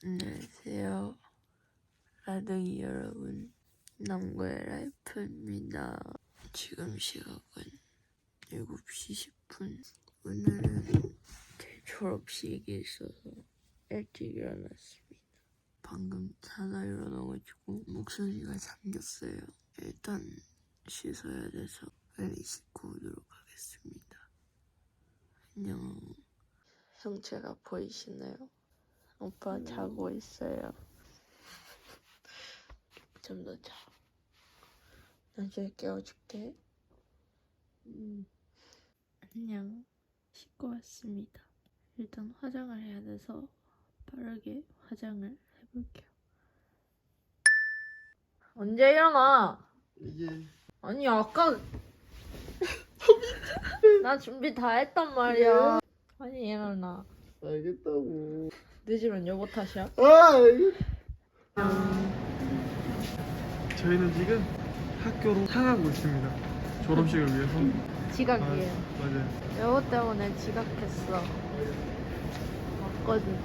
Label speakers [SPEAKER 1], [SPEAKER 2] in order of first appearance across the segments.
[SPEAKER 1] 안녕하세요. 라둥이 여러분. 남과의 라이프입니다. 지금 시각은 7시 10분. 오늘은 제 졸업식이 있어서 일찍 일어났습니다. 방금 자다 일어나가지고 목소리가 잠겼어요. 일단 씻어야 돼서 빨리 씻고 오도록 하겠습니다. 안녕. 형체가 보이시나요? 오빠 자고 있어요. 좀 더 자. 나중에 깨워줄게. 안녕. 씻고 왔습니다. 일단 화장을 해야 돼서 빠르게 화장을 해볼게요. 언제 일어나?
[SPEAKER 2] 이게
[SPEAKER 1] 아니 아까 나 준비 다 했단 말이야. 아니 일어나.
[SPEAKER 2] 알겠다고.
[SPEAKER 1] 늦으면 여보 탓이야?
[SPEAKER 2] 저희는 지금 학교로 향하고 있습니다. 졸업식을 위해서.
[SPEAKER 1] 지각이에요.
[SPEAKER 2] 맞아요.
[SPEAKER 1] 여보 때문에 지각했어. 왔거든.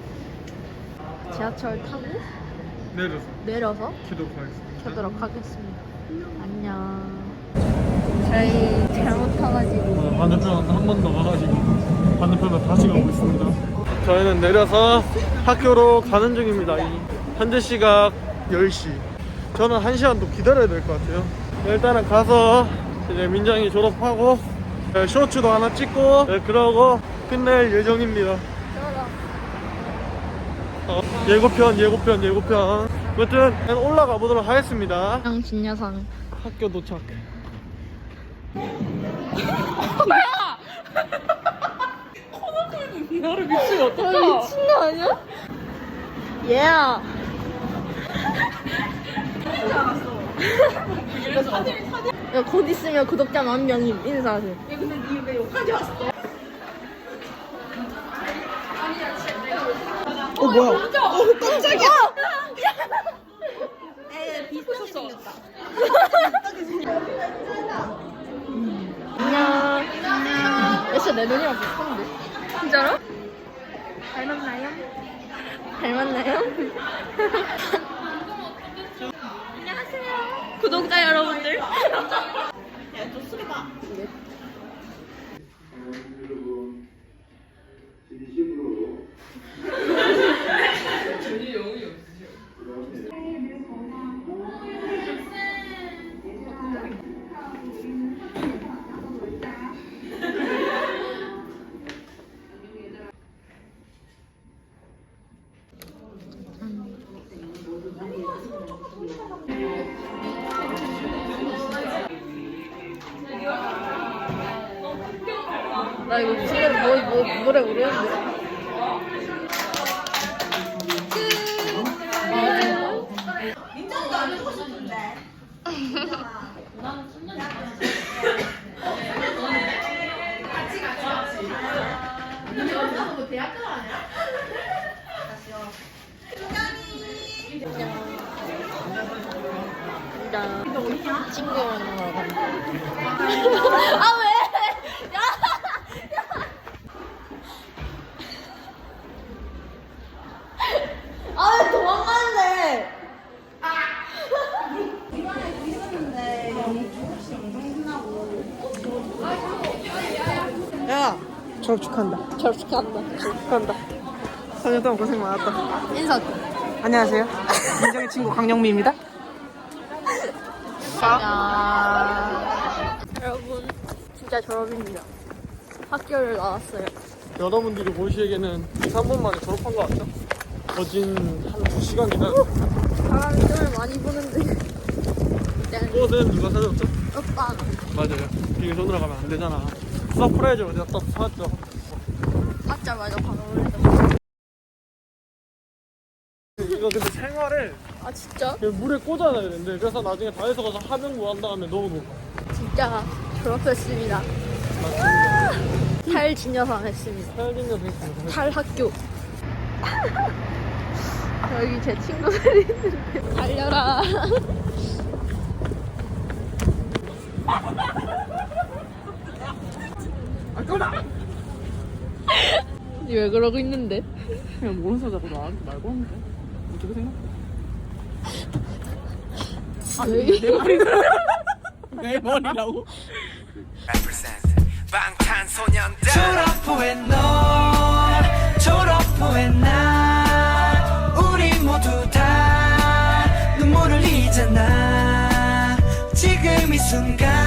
[SPEAKER 1] 지하철 타고
[SPEAKER 2] 내려서
[SPEAKER 1] 내려서
[SPEAKER 2] 키도록 하겠습니다.
[SPEAKER 1] 켜도록 하겠습니다. 안녕. 저희 잘못 타가지고
[SPEAKER 2] 반대편 한 번 더 가가지고 반대편으로 다시 가고 있습니다. 저희는 내려서 학교로 가는 중입니다. 현재 시각 10시. 저는 1시간 더 기다려야 될 것 같아요. 일단은 가서 이제 민정이 졸업하고 쇼츠도 하나 찍고 그러고 끝낼 예정입니다. 예고편. 아무튼 올라가 보도록 하겠습니다.
[SPEAKER 1] 형 진여상.
[SPEAKER 2] 학교 도착.
[SPEAKER 1] 나를 미치면 어떡해? 미친 거 아니야? 얘야. 야, 곧 있으면 구독자 10,000명임. 인사하세요. 야, 근데 니 왜 여기까지 왔어?
[SPEAKER 2] 뭐야?
[SPEAKER 1] 깜짝이야!
[SPEAKER 3] 에 비슷하게 생겼다.
[SPEAKER 1] 안녕. 진짜 내 눈이랑 비슷한데? 진짜로? 닮았나요? 닮았나요? 안녕하세요. 구독자 여러분들.
[SPEAKER 3] 야, 저 수리 봐.
[SPEAKER 1] 나 이거 무슨 노래 모르는데.
[SPEAKER 3] 민정이도 안 해주고 싶은데. 뭐 대학교 아니야?
[SPEAKER 1] 나 친구 만나러 간다. 아 왜? 야! 아 왜 도망가는데?
[SPEAKER 2] 야! 졸업 축하한다.
[SPEAKER 1] 졸업 축하한다.
[SPEAKER 2] 축하한다. 4년 동안 고생 많았다.
[SPEAKER 1] 인사.
[SPEAKER 2] 안녕하세요. 민정의 친구 강영미입니다.
[SPEAKER 1] 여러분 진짜 졸업입니다. 학교를 나왔어요.
[SPEAKER 2] 여러분들이 보시기에는 2, 3분 만에 졸업한 것 같죠? 거진 한 2시간 기다렸어.
[SPEAKER 1] 바람이 좀 많이 부는데. 일단
[SPEAKER 2] 꽃은 누가 사줬죠?
[SPEAKER 1] 오빠가.
[SPEAKER 2] 맞아요. 비행기 손으로 가면 안 되잖아. 서프라이즈로 내가 딱 사왔죠.
[SPEAKER 1] 맞아 방금 올렸다.
[SPEAKER 2] 이거 근데 생활을
[SPEAKER 1] 아 진짜?
[SPEAKER 2] 물에 꽂아놔야 되는데 그래서 나중에 다해서 가서 하병구 한 다음에 넣어놓고.
[SPEAKER 1] 진짜 졸업했습니다.
[SPEAKER 2] 맞습니다.
[SPEAKER 1] 탈진여상 했습니다.
[SPEAKER 2] 사연진녀 됐습니다.
[SPEAKER 1] 탈학교. 여기 제 친구들이 있는데 달려라. 왜 그러고 있는데?
[SPEAKER 4] 그냥 모르는 소리 자꾸 나한테 말 거는데 어떻게 생각해? 내 머리 내 머리라고?
[SPEAKER 5] 방탄소년단 졸업 후에 넌 졸업 후에 나 우리 모두 다 눈물을 흘리잖아 지금 이 순간